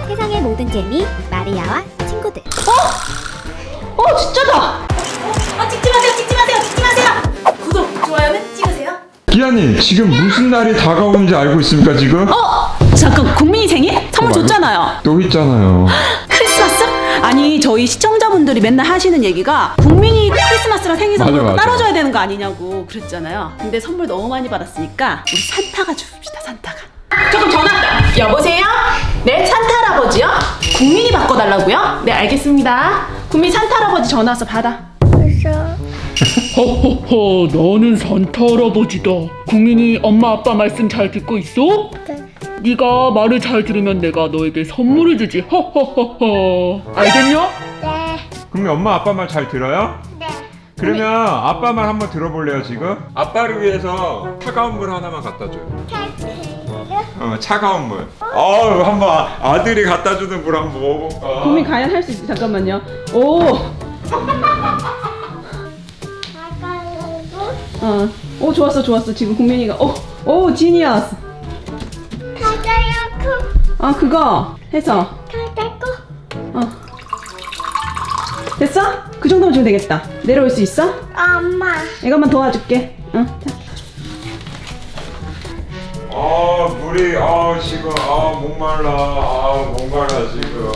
세상의 모든 재미 마리아와 친구들. 진짜다! 찍지 마세요, 찍지 마세요, 찍지 마세요! 구독, 좋아요는 찍으세요. 기아님, 지금 무슨 날이 다가오는지 알고 있습니까, 지금? 잠깐, 국민이 생일? 선물 줬잖아요. 또 있잖아요. 크리스마스? 아니, 저희 시청자분들이 맨날 하시는 얘기가 국민이 크리스마스랑 생일 선물 맞아. 따라줘야 되는 거 아니냐고 그랬잖아요. 근데 선물 너무 많이 받았으니까 우리 산타가 줍시다, 산타가. 조금 전화 왔다. 여보세요? 네, 산타 할아버지요? 국민이 바꿔달라고요? 네, 알겠습니다. 국민 산타 할아버지 전화 와서 받아. 허허허, 나는 산타 할아버지다. 국민이 엄마 아빠 말씀 잘 듣고 있어? 네. 네가 말을 잘 들으면 내가 너에게 선물을 주지. 허허허허. 알겠냐? 네. 그럼 엄마 아빠 말 잘 들어요? 네. 그러면 아빠 말 한번 들어볼래요, 지금? 아빠를 위해서 차가운 물 하나만 갖다 줘요. 차가운 물. 한번 아들이 갖다 주는 물 한번 먹어볼까? 국민 과연 할 수 있지? 잠깐만요. 오. 오 좋았어. 지금 국민이가 오 지니어스. 그거 해서 됐어? 그 정도면 주면 되겠다. 내려올 수 있어? 엄마. 이것만 도와줄게. 자. 물이 지금 목말라 지금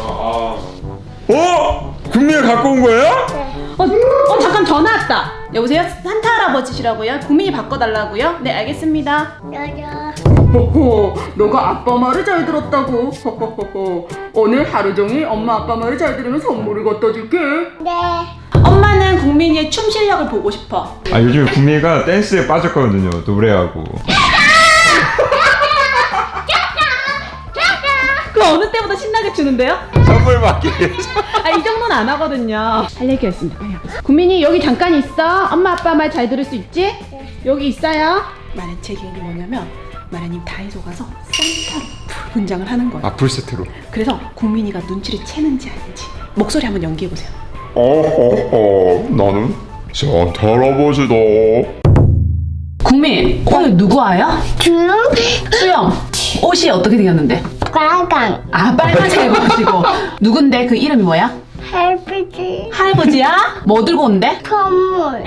국민이 갖고 온 거예요? 잠깐 전화 왔다. 여보세요? 산타 할아버지시라고요? 국민이 바꿔달라고요? 네, 알겠습니다. 호호, 너가 아빠 말을 잘 들었다고. 호호호호. 오늘 하루 종일 엄마 아빠 말을 잘 들으면 선물을 갖다 줄게. 네. 엄마는 국민이의 춤 실력을 보고 싶어. 요즘 국민이가 댄스에 빠졌거든요. 노래하고. 그 어느 때보다 신나게 추는데요? 선물 받기 위해서. 이 정도는 안 하거든요. 할 얘기가 있습니다. 빨리 와보세요. 국민이 여기 잠깐 있어. 엄마 아빠 말 잘 들을 수 있지? 네. 여기 있어요. 마련 제 계획이 뭐냐면 마련님 다이소 가서 산타로 분장을 하는 거예요. 풀세트로. 그래서 국민이가 눈치를 채는지 아닌지 목소리 한번 연기해보세요. 나는 산타 할아버지다. 국민, 오늘 누구 와요? 수영. 옷이 어떻게 생겼는데? 빨강. 빨간색 입으시고. 누군데? 그 이름이 뭐야? 할아버지. 할아버지야? 뭐 들고 온대? 선물.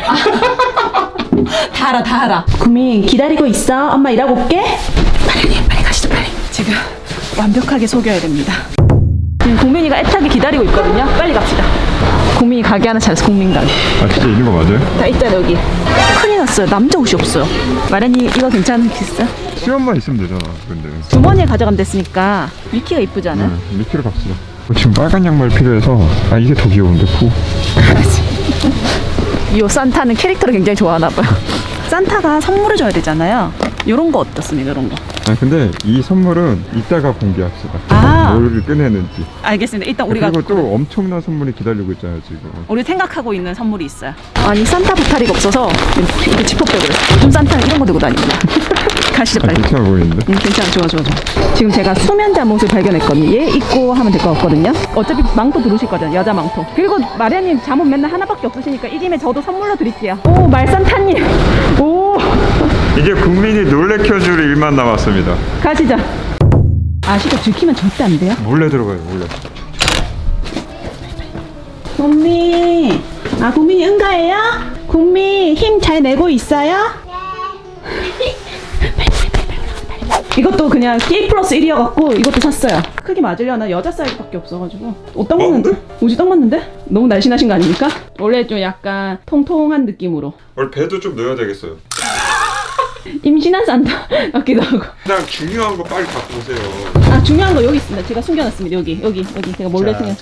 다 알아. 국민 기다리고 있어. 엄마 일하고 올게. 빨리 가시죠, 빨리. 지금 완벽하게 속여야 됩니다. 지금 국민이가 애타게 기다리고 있거든요. 빨리 갑시다. 국민이 가게 하나 찾았어, 국민 가게. 진짜 있는 거 맞아요? 다 있잖아, 여기. 큰일 났어요. 남자 옷이 없어요. 마련이 이거 괜찮겠어? 수염만 있으면 되잖아, 근데. 주머니에 가져가면 됐으니까 미키가 이쁘지 않아? 미키로 갑시다. 지금 빨간 양말 필요해서 이게 더 귀여운데 푸. 이 산타는 캐릭터를 굉장히 좋아하나 봐요. 산타가 선물을 줘야 되잖아요. 요런 거 어떻습니까? 이런 거. 근데 이 선물은 이따가 공개합시다. 뭘 꺼내는지. 알겠습니다. 일단 우리가 그리고 또 엄청난 선물이 기다리고 있잖아요, 지금. 우리 생각하고 있는 선물이 있어요. 아니 산타 보따리가 없어서 이렇게 지퍼백을. 요즘 산타는 이런 거 들고 다닙니다. 가시죠 빨리. 괜찮아 보이는데? 괜찮아. 좋아. 지금 제가 수면 잠옷을 발견했거든요. 얘 입고 하면 될 것 같거든요. 어차피 망토 두르실 거잖아요. 여자 망토. 그리고 마리아님 잠옷 맨날 하나밖에 없으시니까 이 김에 저도 선물로 드릴게요. 오 말산타님. 오. 이제 국민이 놀래켜줄 일만 남았습니다. 가시죠. 아시죠? 들키면 절대 안 돼요. 몰래 들어가요, 몰래. 국민. 국민이 응가해요? 국민 힘 잘 내고 있어요? 이것도 그냥 K 플러스 1이어갖고 이것도 샀어요. 크기 맞으려나 여자 사이즈밖에 없어가지고 옷 딱 맞는데? 옷이 딱 맞는데? 너무 날씬하신 거 아닙니까? 원래 좀 약간 통통한 느낌으로. 원래 배도 좀 넣어야 되겠어요. 임신한 산타 같기도 하고. 그냥 중요한 거 빨리 갖고 오세요. 중요한 거 여기 있습니다. 제가 숨겨놨습니다. 여기 제가 몰래 숨겨.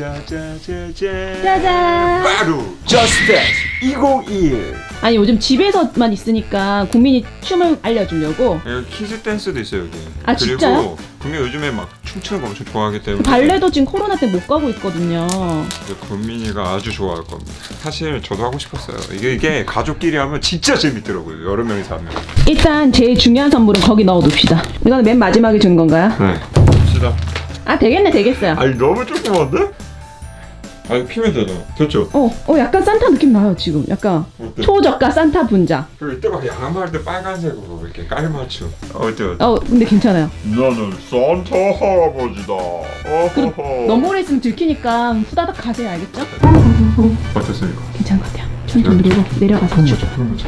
짜잔. 바로 Just Dance 2021. 아니 요즘 집에서만 있으니까 국민이 춤을 알려주려고. 여기 키즈 댄스도 있어요, 여기. 아, 그리고 진짜요? 국민 요즘에 막 춤추는 거 엄청 좋아하기 때문에 발레도 지금 코로나 때 못 가고 있거든요. 국민이가 아주 좋아할 겁니다. 사실 저도 하고 싶었어요. 이게 가족끼리 하면 진짜 재밌더라고요. 여러 명이서 하면. 일단 제일 중요한 선물은 거기 넣어둡시다. 이거는 맨 마지막에 준 건가요? 네. 봅시다. 되겠어요. 아니 너무 조그만데? 아니 피면 되잖아. 좋죠? 약간 산타 느낌 나요 지금. 약간 어때? 초저가 산타 분장. 그리고 이때가 양말도 빨간색으로 이렇게 깔맞춤. 어때? 근데 괜찮아요. 나는 산타 할아버지다. 너무 오래 있으면 들키니까 후다닥 가세요, 알겠죠? 어땠습니까? 괜찮은 것 같아요. 천천히 누르고 내려가서 그런 거죠.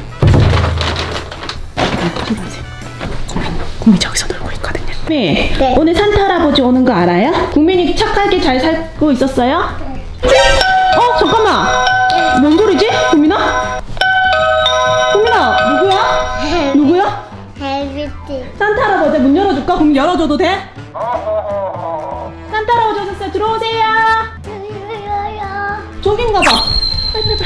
들어가세요. 국민 저기서 놀고 있거든요. 네. 네. 오늘 산타 할아버지 오는 거 알아요? 국민이 착하게 잘 살고 있었어요? 잠깐만. 뭔 소리지? 국민아? 국민아, 누구야? 누구야? 헬비티. 산타 할아버지 문 열어줄까? 국민 열어줘도 돼? 산타 할아버지 오셨어요. 들어오세요. 저긴가 봐. 빨리.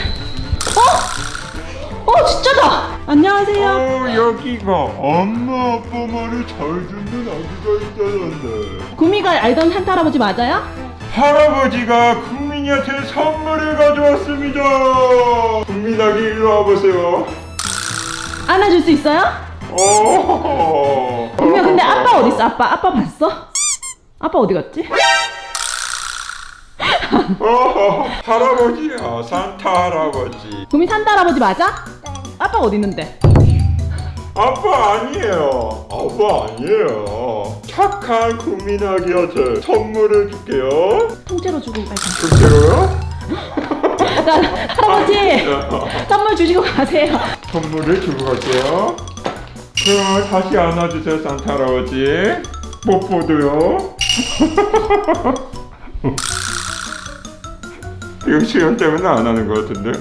진짜다. 안녕하세요. 여기가 엄마 아빠 말을 잘 듣는 아기가 있다던데. 구미가 알던 산타 할아버지 맞아요? 할아버지가 국민이한테 선물을 가져왔습니다. 국민 아기 일로 와보세요. 안아줄 수 있어요? 구미야 근데 아빠 어디 있어? 아빠 봤어? 아빠 어디 갔지? 할아버지야, 산타 할아버지. 구미 산타 할아버지 맞아? 아빠 어디 있는데? 아빠 아니에요. 아빠 아니에요. 착한 국민 아기한테 선물을 줄게요. 통째로 주고 가세요. 실제로요? 할아버지 선물 주시고 가세요. 선물을 주고 갈게요. 그럼 다시 안아주세요, 산타 할아버지. 뽀뽀도요. 이거 시간 때문에 안 하는 것 같은데.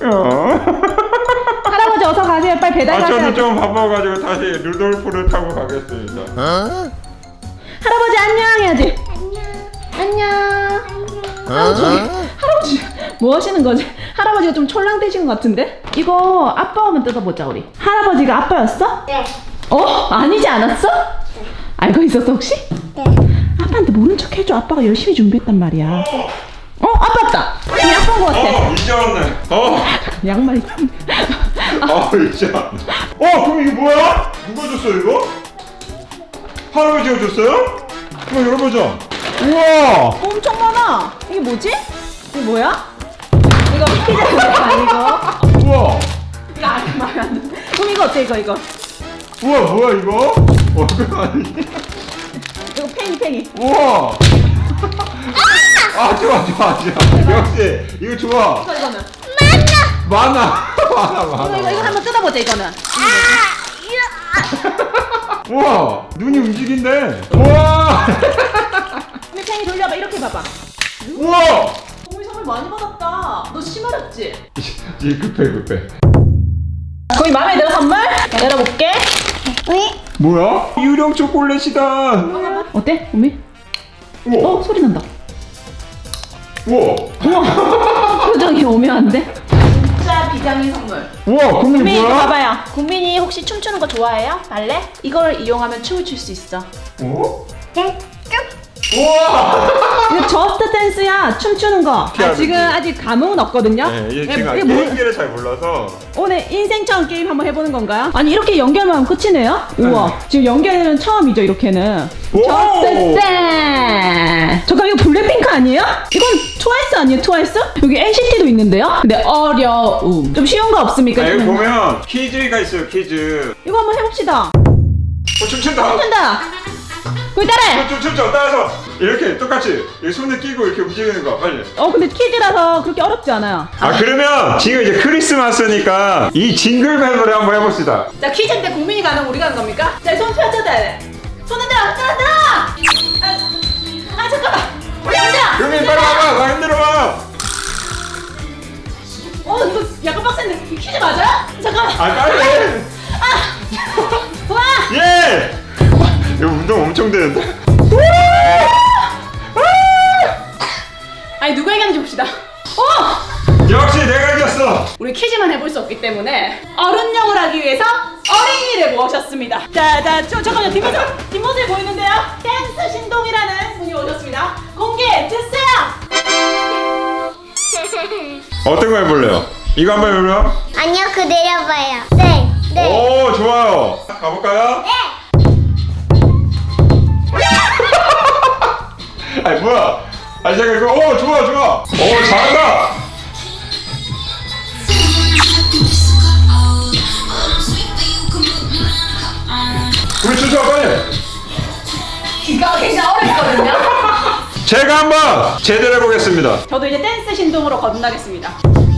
할아버지 어서 가세요. 빨리 배달 가세요. 저는 좀 바빠가지고 다시 루돌프를 타고 가겠습니다. 할아버지 안녕 해야지. 안녕. 할아버지 뭐 하시는 거지? 할아버지가 좀 촐랑대신 것 같은데? 이거 아빠 오면 뜯어보자 우리. 할아버지가 아빠였어? 네. 아니지 않았어? 알고 있었어 혹시? 네. 아빠한테 모른 척 해줘. 아빠가 열심히 준비했단 말이야. 아빠다. 이 아빠인 것 같아. 이제 왔네. 양말이. 이제 왔네. 그럼 이게 뭐야? 누가 줬어 이거? 할아버지가 줬어요? 한번 열어보자. 우와. 엄청 많아. 이게 뭐지? 이게 뭐야? 이거 피자 아니고. 우와. 이거 아니 말이 안 돼. 그럼 이거 어때 이거? 우와 뭐야 이거? 그거 아니? 이거 팽이. 우와. 좋아. 역시 이거 좋아. 이거는. 많아. 이거 한번 뜯어보자 이거는. 우와 눈이 움직인대. 우와. 우리 팽이 돌려봐. 이렇게 봐봐. 우와. 우리 선물 많이 받았다. 너 심하렸지? 이제 급해. 거기 마음에 들어 선물? 열어볼게. 뭐야? 유령 초콜릿이다. 어때? 우미? 우와. 소리 난다. 우와. 표정이 오묘한데? 진짜 비장의 선물. 우와 국민 국민이 이거 뭐야? 봐봐요. 국민이 혹시 춤추는 거 좋아해요? 발레? 이걸 이용하면 춤을 출 수 있어. 네. 우와. 이거 저스트 댄스야. 춤추는 거. 피아노. 지금 아직 감흥은 없거든요. 얘 지금 이게 뭐- 게임기를 잘 몰라서. 오늘 인생처럼 게임 한번 해보는 건가요? 아니 이렇게 연결만 하면 끝이네요? 우와 지금 연결은 처음이죠 이렇게는. 오! 저스트 댄스. 잠깐 이거 블랙핑크 아니에요? 이건 트와이스 아니에요 트와이스? 여기 NCT도 있는데요? 근데 어려움. 좀 쉬운 거 없습니까? 여기 보면 퀴즈가 있어요. 퀴즈. 이거 한번 해봅시다. 춤춘다. 한다. 거기 따라해. 춤춰 따라서 이렇게 똑같이 이 손을 끼고 이렇게 움직이는 거 빨리. 근데 퀴즈라서 그렇게 어렵지 않아요. 그러면 지금 이제 크리스마스니까 이 징글벨을 한번 해봅시다. 자 퀴즈인데 국민이 가는 우리가 하는 겁니까? 자 손 펴줘야 돼. 손 흔들어. 잠깐만. 흔들어. 그러면 빨리 와봐. 나 흔들어봐. 이거 약간 빡센데 이 퀴즈 맞아요? 잠깐만. 빨리 해. 와. 예. 이거 운동 엄청 되는데. 아니 누가 이겼는지 봅시다. 역시 내가 이겼어. 우리 퀴즈만 해볼 수 없기 때문에 어른용을 하기 위해서 어린이를 모셨습니다. 잠깐만요. 뒷모습이 보이는데요. 댄스 신동이라는 분이 오셨습니다. 공개 주세요. 어떤 거 해볼래요? 이거 한번 해볼래요? 아니요, 그 내려봐요. 네. 오 좋아요. 가볼까요? 네. 아니 뭐야? 아 잠깐 이거 좋아 좋아. 잘한다. 우리 춤춰 빨리. 이거 굉장히 어렵거든요. 제가 한번 제대로 해보겠습니다. 저도 이제 댄스 신동으로 거듭나겠습니다.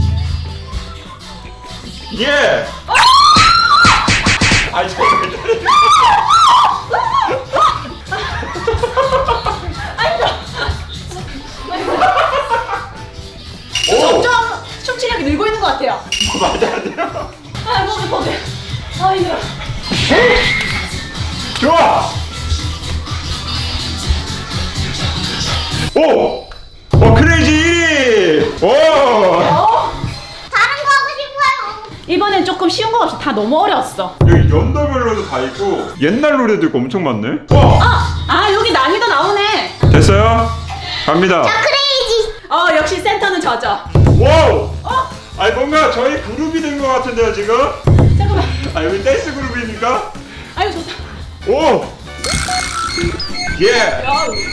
예. 아 잠깐. 오. 점점 춤추력이 늘고 있는 것 같아요. 맞아요. 아, 몸이 보게. 아, 힘들어. 좋아. 오. 크레이지 1위. 오. 다른 거 하고 싶어요. 이번엔 조금 쉬운 거 없이 다 너무 어려웠어. 여기 연도별로도 다 있고 옛날 노래도 있고 엄청 많네. 와. 여기 난이도 나오네. 됐어요? 갑니다. 크레이지. 역시 센터는 저죠. 와우. 아니 뭔가 저희 그룹이 된 것 같은데요 지금? 잠깐만. 아 여기 댄스 그룹입니까? 아유, 좋다. 오. 예.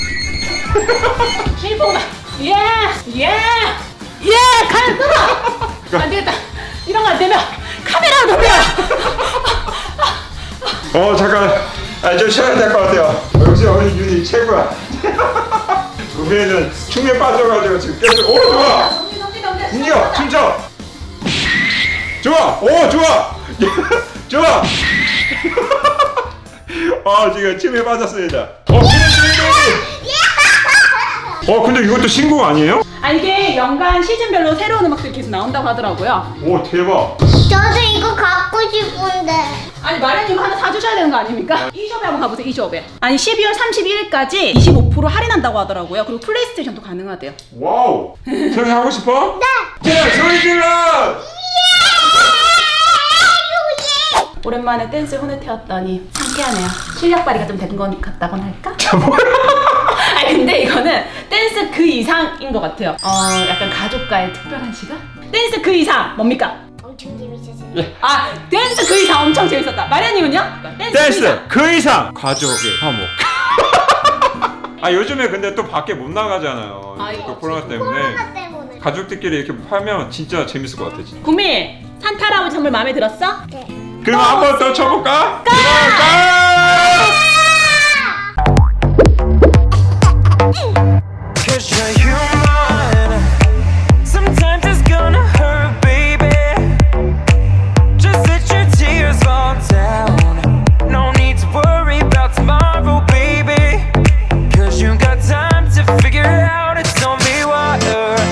일본아. 예. 갈 끊어. 안 되겠다. 이런 거 안 되면 카메라 돌려. 잠깐. 좀 쉬어야 될 것 같아요. 역시 우리 윤이 최고야. 우리는 춤에 빠져가지고 지금 계속. 좋아. 움직여 춤춰. 좋아. 좋아. 좋아. 지금 춤에 빠졌습니다. 근데 이것도 신곡 아니에요? 이게 연간 시즌별로 새로운 음악들이 계속 나온다고 하더라고요. 오 대박. 저도 이거 갖고 싶은데. 마련님 이거 하나 사주셔야 되는 거 아닙니까? e숍에 한번 가보세요. e숍에. 12월 31일까지 25% 할인한다고 하더라고요. 그리고 플레이스테이션도 가능하대요. 와우. 소리 하고 싶어? 네. 자 소리 질러. 오랜만에 댄스 혼을 태웠더니 상쾌하네요. 실력 발휘가 좀 된 것 같다고나 할까? 근데 이거는 댄스 그 이상인 것 같아요. 약간 가족과의 특별한 시간? 댄스 그 이상 뭡니까? 엄청 재밌었어요. 댄스 그 이상 엄청 재밌었다. 마리아님은요? 댄스 그 이상 가족의 화목. 요즘에 근데 또 밖에 못 나가잖아요. 또 코로나 때문에. 코로나 때문에. 가족들끼리 이렇게 하면 진짜 재밌을 것 같아 진짜. 구미, 산타 할아버지 선물 마음에 들었어? 네. 그럼 한 번 더 쳐볼까? 가! Cause you're